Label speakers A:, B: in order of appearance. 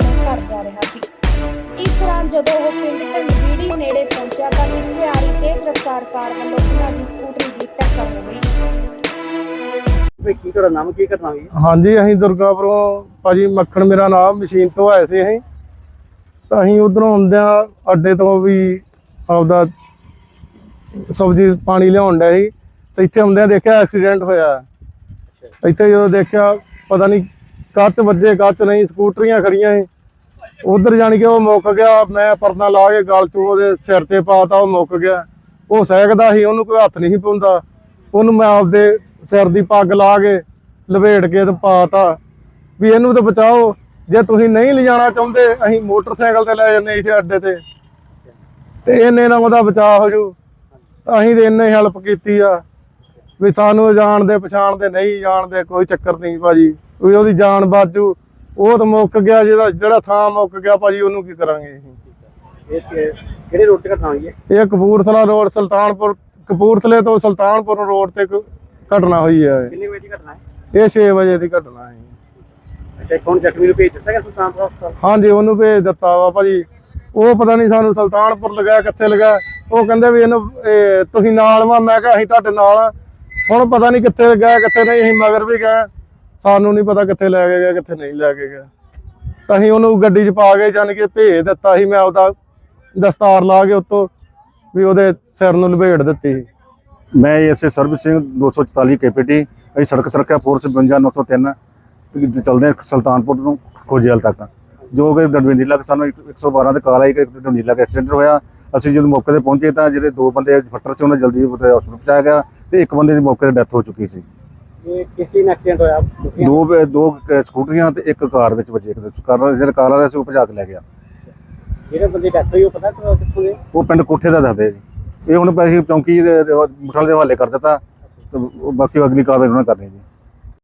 A: ਆਪਣੇ ਘਰ ਜਾ ਰਿਹਾ ਸੀ। ਇਸ ਦੌਰਾਨ ਜਦੋਂ ਉਹ ਪਿੰਡ ਢੰਡਵੀੜੀ ਨੇੜੇ ਪਹੁੰਚਿਆ ਤਾਂ ਪਿੱਛੇ ਆ ਰਹੀ ਤੇਜ਼ ਰਫ਼ਤਾਰ ਕਾਰ ਵੱਲੋਂ ਉਹਨਾਂ ਦੀ ਸਕੂਟਰੀ ਦੀ ਟੱਕਰ ਹੋ ਗਈ।
B: ਕੀ ਤੁਹਾਡਾ ਨਾਮ ਕੀ ਘਟਨਾ ਹੋਈ?
C: ਹਾਂਜੀ, ਅਸੀਂ ਦੁਰਗਾਪੁਰੋਂ ਭਾਜੀ ਮੱਖਣ ਮੇਰਾ ਨਾਮ, ਮਸ਼ੀਨ ਤੋਂ ਆਏ ਸੀ ਅਸੀਂ। ਤਾਂ ਅਸੀਂ ਉਧਰੋਂ ਆਉਂਦਿਆਂ ਅੱਡੇ ਤੋਂ ਵੀ ਆਪਦਾ ਸਬਜ਼ੀ ਪਾਣੀ ਲਿਆਉਣ ਡਿਆ ਸੀ ਤੇ ਇੱਥੇ ਆਉਂਦਿਆਂ ਦੇਖਿਆ ਐਕਸੀਡੈਂਟ ਹੋਇਆ। ਇੱਥੇ ਜਦੋਂ ਦੇਖਿਆ ਪਤਾ ਨਹੀਂ ਕੱਚ ਵੱਜੇ ਕੱਚ ਨਹੀਂ, ਸਕੂਟਰੀਆਂ ਖੜੀਆਂ ਸੀ। ਉਧਰ ਜਾਣੀ ਕਿ ਉਹ ਮੁੱਕ ਗਿਆ। ਮੈਂ ਪਰਨਾ ਲਾ ਕੇ ਗਲ 'ਚ ਉਹਦੇ ਸਿਰ ਤੇ ਪਾਤਾ, ਉਹ ਮੁੱਕ ਗਿਆ। ਉਹ ਸਹਿਕਦਾ ਸੀ, ਉਹਨੂੰ ਕੋਈ ਹੱਥ ਨਹੀਂ ਪਾਉਂਦਾ। ਉਹਨੂੰ ਮੈਂ ਆਪਦੇ ਸਿਰ ਦੀ ਪੱਗ ਲਾ ਕੇ ਲਪੇਟ ਕੇ ਤੇ ਪਾਤਾ ਵੀ ਇਹਨੂੰ ਤਾਂ ਬਚਾਓ। ਜੇ ਤੁਸੀਂ ਨਹੀਂ ਲਿਜਾਣਾ ਚਾਹੁੰਦੇ ਅਸੀਂ ਮੋਟਰਸਾਈਕਲ ਤੇ ਲੈ ਜਾਂਦੇ ਇੱਥੇ ਅੱਡੇ ਤੇ ਇਹਨੇ ਨਾਲ ਉਹਦਾ ਬਚਾਅ ਹੋ ਜੂ। ਅਸੀਂ ਤੇ ਇੰਨੇ ਹੈਲਪ ਕੀਤੀ ਆ ਵੀ ਸਾਨੂੰ ਜਾਣਦੇ ਪਛਾਣਦੇ ਨਹੀਂ ਜਾਣਦੇ ਕੋਈ ਚੱਕਰ ਨਹੀਂ ਭਾਜੀ, ਵੀ ਉਹਦੀ ਜਾਨ ਬਾਜੂ। ਉਹ ਤਾਂ ਮੁੱਕ ਗਿਆ, ਜਿਹੜਾ ਥਾਂ ਮੁੱਕ ਗਿਆ ਭਾਜੀ, ਉਹਨੂੰ ਕੀ ਕਰਾਂਗੇ ਅਸੀਂ।
B: ਕਿਹੜੇ ਰੋਡ ਤੇ ਘਟਨਾ ਹੋਈ ਹੈ?
C: ਇਹ ਕਪੂਰਥਲਾ ਰੋਡ, ਸੁਲਤਾਨਪੁਰ, ਕਪੂਰਥਲੇ ਤੋਂ ਸੁਲਤਾਨਪੁਰ ਰੋਡ ਤੇ ਘਟਨਾ ਹੋਈ ਹੈ।
B: ਕਿੰਨੇ ਵਜੇ ਦੀ ਘਟਨਾ ਹੈ?
C: ਇਹ 6 ਵਜੇ ਦੀ ਘਟਨਾ ਹੈ।
B: ਅੱਛਾ, ਕੌਣ ਜ਼ਖਮੀ ਨੂੰ ਭੇਜ ਦਿੱਤਾ ਗਿਆ ਸੁਲਤਾਨਪੁਰ ਹਸਪਤਾਲ?
C: ਹਾਂਜੀ, ਉਹਨੂੰ ਭੇਜ ਦਿੱਤਾ ਵਾ ਭਾਜੀ। ਉਹ ਪਤਾ ਨਹੀਂ ਸਾਨੂੰ ਸੁਲਤਾਨਪੁਰ ਲਗਾਇਆ ਕਿੱਥੇ ਲਗਾਇਆ। ਉਹ ਕਹਿੰਦੇ ਵੀ ਇਹਨੂੰ ਤੁਸੀਂ ਨਾਲ ਵਾ। ਮੈਂ ਕਿਹਾ ਅਸੀਂ ਤੁਹਾਡੇ ਨਾਲ ਆ। ਹੁਣ ਪਤਾ ਨਹੀਂ ਕਿੱਥੇ ਗਏ ਕਿੱਥੇ ਨਹੀਂ। ਅਸੀਂ ਮਗਰ ਵੀ ਗਏ, ਸਾਨੂੰ ਨਹੀਂ ਪਤਾ ਕਿੱਥੇ ਲੈ ਕੇ ਗਏ ਕਿੱਥੇ ਨਹੀਂ ਲੈ ਕੇ ਗਏ। ਤਾਂ ਅਸੀਂ ਉਹਨੂੰ ਗੱਡੀ 'ਚ ਪਾ ਕੇ ਜਾਣ ਕੇ ਭੇਜ ਦਿੱਤਾ ਸੀ। ਮੈਂ ਉਹਦਾ ਦਸਤਾਰ ਲਾ ਕੇ ਉੱਤੋਂ ਵੀ ਉਹਦੇ ਸਿਰ ਨੂੰ ਲਪੇਟ ਦਿੱਤੀ।
D: मैं एस ਸਰਬਜੀਤ ਸਿੰਘ 244 KPT। ਅਸੀਂ ਸੜਕ ਸੁਰੱਖਿਆ ਫੋਰਸ 52 903 ਚੱਲਦੇ ਹਾਂ ਸੁਲਤਾਨਪੁਰ ਨੂੰ ਖੋਜੇਲ ਤੱਕ, ਜੋ ਕਿ ਡੰਡੀਲਾ ਸਾਨੂੰ 112 ਤੇ ਕਾਲ ਆਈ ਕਿ ਡੰਡੀਲਾ ਐਕਸੀਡੈਂਟ ਹੋਇਆ। ਅਸੀਂ ਜਦੋਂ ਮੌਕੇ ਤੇ ਪਹੁੰਚੇ ਤਾਂ ਜਿਹੜੇ 2 ਬੰਦੇ ਫੱਟਰ ਸੀ ਉਹਨਾਂ ਜਲਦੀ ਹਸਪਤਾਲ ਪਹੁੰਚਾਇਆ ਗਿਆ ਤੇ ਇੱਕ ਬੰਦੇ ਦੀ ਮੌਕੇ ਤੇ ਡੈਥ ਹੋ ਚੁੱਕੀ ਸੀ।
B: ਇਹ ਕਿਸੇ ਨਾਲ ਐਕਸੀਡੈਂਟ ਹੋਇਆ?
D: ਦੋ ਸਕੂਟਰੀਆਂ ਤੇ ਇੱਕ ਕਾਰ ਵਿੱਚ ਵੱਜੇ। ਜਿਹੜਾ ਕਾਰ ਵਾਲਾ ਸੀ ਉਹ ਭਜਾ ਕੇ ਲੈ ਗਿਆ।
B: ਜਿਹੜੇ ਬੰਦੇ ਡੈਥ ਹੋਈ ਉਹ ਪਤਾ ਕਿੱਥੋਂ ਦੇ?
D: ਉਹ ਪਿੰਡ ਕੋਠੇ ਦਾ ਦੱਸਦੇ ਜੀ। ਇਹ ਹੁਣ ਅਸੀਂ ਚੌਂਕੀ ਦੇ ਮੁਠਲ ਦੇ ਹਵਾਲੇ ਕਰ ਦਿੱਤਾ ਤੇ ਬਾਕੀ ਅਗਲੀ ਕਾਰਵਾਈ ਉਹਨਾਂ ਨੇ ਕਰਨੀ ਜੀ।